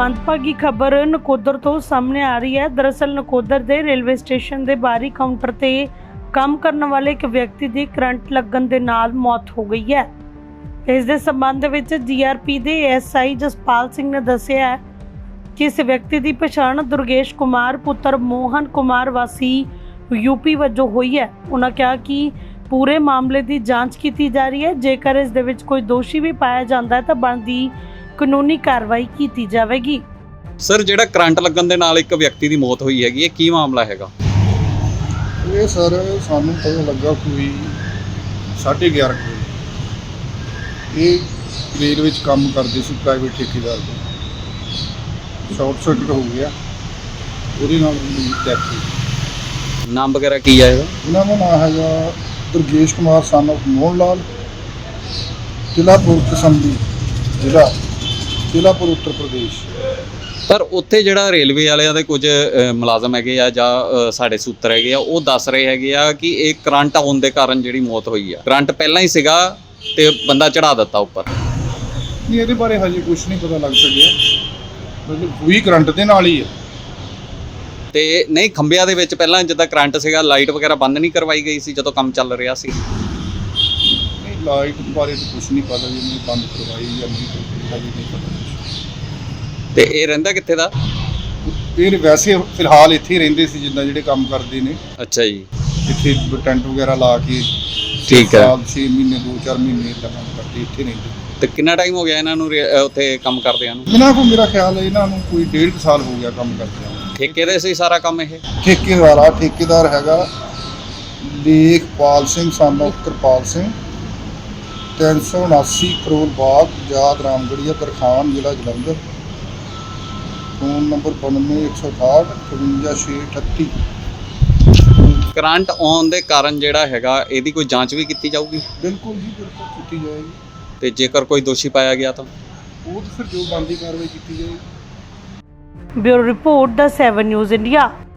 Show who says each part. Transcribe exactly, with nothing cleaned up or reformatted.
Speaker 1: ਮੰਦਭਾਗੀ ਖਬਰ ਨਕੋਦਰ ਤੋਂ ਸਾਹਮਣੇ ਆ ਰਹੀ ਹੈ। ਦਰਅਸਲ ਨਕੋਦਰ ਦੇ ਰੇਲਵੇ ਸਟੇਸ਼ਨ ਦੇ ਬਾਹਰੀ ਕਾਊਂਟਰ ਤੇ ਕੰਮ ਕਰਨ ਵਾਲੇ ਇੱਕ ਵਿਅਕਤੀ ਦੀ ਕਰੰਟ ਲੱਗਣ ਦੇ ਨਾਲ ਮੌਤ ਹੋ ਗਈ ਹੈ। ਇਸ ਦੇ ਸੰਬੰਧ ਵਿੱਚ ਜੀਆਰਪੀ ਦੇ ਐਸਆਈ ਜਸਪਾਲ ਸਿੰਘ ਨੇ ਦੱਸਿਆ ਹੈ ਕਿ ਇਸ ਵਿਅਕਤੀ ਦੀ ਪਛਾਣ ਦੁਰਗੇਸ਼ ਕੁਮਾਰ ਪੁੱਤਰ ਮੋਹਨ ਕੁਮਾਰ ਵਾਸੀ ਯੂਪੀ ਵਜੋਂ ਹੋਈ ਹੈ। ਉਹਨਾਂ ਕਿਹਾ ਕਿ ਪੂਰੇ ਮਾਮਲੇ ਦੀ ਜਾਂਚ ਕੀਤੀ ਜਾ ਰਹੀ ਹੈ। ਜੇਕਰ ਇਸ ਦੇ ਵਿੱਚ ਕੋਈ ਦੋਸ਼ੀ ਵੀ ਪਾਇਆ ਜਾਂਦਾ ਹੈ ਤਾਂ ਬਣਦੀ ਕਾਨੂੰਨੀ ਕਾਰਵਾਈ ਕੀਤੀ ਜਾਵੇਗੀ।
Speaker 2: ਸਰ, ਜਿਹੜਾ ਕਰੰਟ ਲੱਗਣ ਦੇ ਨਾਲ ਇੱਕ ਵਿਅਕਤੀ ਦੀ ਮੌਤ ਹੋਈ ਹੈਗੀ, ਇਹ ਕੀ ਮਾਮਲਾ ਹੈਗਾ?
Speaker 3: ਇਹ ਸਰ ਸਾਨੂੰ ਪਤਾ ਲੱਗਾ ਕੋਈ ਸਾਢੇ ਗਿਆਰਾਂ ਵਜੇ ਇਹ ਰੇਲ ਵਿੱਚ ਕੰਮ ਕਰਦੇ ਸੀ ਪ੍ਰਾਈਵੇਟ ਠੇਕੇਦਾਰ ਦੇ, ਸ਼ਾਰਟ ਸਰਕਟ ਹੋ ਗਿਆ, ਉਹਦੇ ਨਾਲ ਡੈਥ ਹੋਈ।
Speaker 2: ਨਾਮ ਵਗੈਰਾ ਕੀ ਆ ਇਹਦਾ?
Speaker 3: ਇਹਨਾਂ ਦਾ ਨਾਮ ਹੈਗਾ ਦੁਰਗੇਸ਼ ਕੁਮਾਰ ਸਨ ਆਫ ਮੋਹਨ ਲਾਲ, ਜ਼ਿਲ੍ਹਾ ਪੁਰਤਸੰਬੀ, ਜ਼ਿਲ੍ਹਾ ਜ਼ਿਲ੍ਹਾਪੁਰ ਉੱਤਰ ਪ੍ਰਦੇਸ਼।
Speaker 2: ਪਰ ਉੱਥੇ ਜਿਹੜਾ ਰੇਲਵੇ ਵਾਲਿਆਂ ਦੇ ਕੁਝ ਅ, ਮੁਲਾਜ਼ਮ ਹੈਗੇ ਆ ਜਾਂ ਅ, ਸਾਡੇ ਸੂਤਰ ਹੈਗੇ ਆ, ਉਹ ਦੱਸ ਰਹੇ ਹੈਗੇ ਆ ਕਿ ਇਹ ਕਰੰਟ ਆਉਣ ਦੇ ਕਾਰਨ ਜਿਹੜੀ ਮੌਤ ਹੋਈ ਆ। ਕਰੰਟ ਪਹਿਲਾਂ ਹੀ ਸੀਗਾ ਤੇ ਬੰਦਾ ਚੜਾ ਦਿੱਤਾ ਉੱਪਰ।
Speaker 3: ਨਹੀਂ, ਇਹਦੇ ਬਾਰੇ ਹਜੇ ਕੁਝ ਨਹੀਂ ਪਤਾ ਲੱਗ ਸਕਿਆ, ਮਤਲਬ ਹੋਈ ਕਰੰਟ ਦੇ ਨਾਲ ਹੀ ਹੈ।
Speaker 2: ਤੇ ਨਹੀਂ, ਖੰਭਿਆਂ ਦੇ ਵਿੱਚ ਪਹਿਲਾਂ ਜਿੱਦਾਂ ਕਰੰਟ ਸੀਗਾ, ਲਾਈਟ ਵਗੈਰਾ ਬੰਦ ਨਹੀਂ ਕਰਵਾਈ ਗਈ ਸੀ ਜਦੋਂ ਕੰਮ ਚੱਲ ਰਿਹਾ ਸੀ?
Speaker 3: ਨਹੀਂ, ਲਾਈਟ ਬਾਰੇ ਤਾਂ ਕੁਝ ਨਹੀਂ ਪਤਾ, ਜੀ ਨਹੀਂ ਬੰਦ ਕਰਵਾਈ ਜਾਂ ਨਹੀਂ ਕਰਵਾਈ, ਹਜੇ ਨਹੀਂ ਪਤਾ।
Speaker 2: ਤੇ ਇਹ ਰਹਿੰਦਾ ਕਿੱਥੇ ਦਾ?
Speaker 3: ਇਹ ਵੈਸੇ ਫਿਲਹਾਲ ਇੱਥੇ ਹੀ ਰਹਿੰਦੇ ਸੀ, ਜਿੱਦਾਂ ਜਿਹੜੇ ਕੰਮ ਕਰਦੇ ਨੇ
Speaker 2: ਅੱਛਾ ਜੀ,
Speaker 3: ਇੱਥੇ ਟੈਂਟ ਵਗੈਰਾ ਲਾ ਕੇ।
Speaker 2: ਠੀਕ ਹੈ।
Speaker 3: ਛੇ ਮਹੀਨੇ ਦੋ ਚਾਰ ਮਹੀਨੇ ਇੱਦਾਂ ਕੰਮ ਕਰਦੇ ਇੱਥੇ ਰਹਿੰਦੇ।
Speaker 2: ਤੇ ਕਿੰਨਾ ਟਾਈਮ ਹੋ ਗਿਆ ਇਹਨਾਂ ਨੂੰ ਰੇ- ਅ, ਉੱਥੇ ਕੰਮ ਕਰਦਿਆਂ ਨੂੰ?
Speaker 3: ਇਹਨਾਂ ਕੋਲ ਮੇਰਾ ਖਿਆਲ ਹੈ ਇਹਨਾਂ ਨੂੰ ਕੋਈ ਡੇਢ ਕੁ ਸਾਲ ਹੋ ਗਿਆ ਕੰਮ ਕਰਦਿਆਂ ਨੂੰ।
Speaker 2: ਠੇਕੇ ਦੇ ਸੀ ਸਾਰਾ ਕੰਮ ਇਹ?
Speaker 3: ਠੇਕੇਦਾਰ ਆ ਠੇਕੇਦਾਰ ਹੈਗਾ ਲੇਖਪਾਲ ਸਿੰਘ ਸਨ ਆਫ ਕਿਰਪਾਲ ਸਿੰਘ, ਤਿੰਨ ਸੌ ਉਨਾਸੀ ਕਰੋਲ ਬਾਗ, ਯਾਦ ਰਾਮਗੜੀਆ, ਤਰਖਾਨ, ਜ਼ਿਲ੍ਹਾ ਜਲੰਧਰ। ਫੋਨ ਨੰਬਰ ਬਾਨਵੇਂ ਇੱਕ ਸੌ ਅਠਾਹਠ ਇਕਵੰਜਾ ਛੇ ਅਠੱਤੀ।
Speaker 2: ਕਰੰਟ ਆਉਣ ਦੇ ਕਾਰਨ ਜਿਹੜਾ ਹੈਗਾ, ਇਹਦੀ ਕੋਈ ਜਾਂਚ ਵੀ ਕੀਤੀ ਜਾਊਗੀ?
Speaker 3: ਬਿਲਕੁਲ ਜੀ, ਬਿਲਕੁਲ ਕੀਤੀ ਜਾਏਗੀ।
Speaker 2: ਤੇ ਜੇਕਰ ਕੋਈ ਦੋਸ਼ੀ ਪਾਇਆ ਗਿਆ ਤਾਂ
Speaker 3: ਉਹ ਤਾਂ ਫਿਰ ਜੋ ਬਣਦੀ ਕਾਰਵਾਈ ਕੀਤੀ ਜਾਏਗੀ।
Speaker 1: ਬਿਊਰੋ ਰਿਪੋਰਟ ਦਾ ਸੈਵਨ ਨਿਊਜ਼ ਇੰਡੀਆ।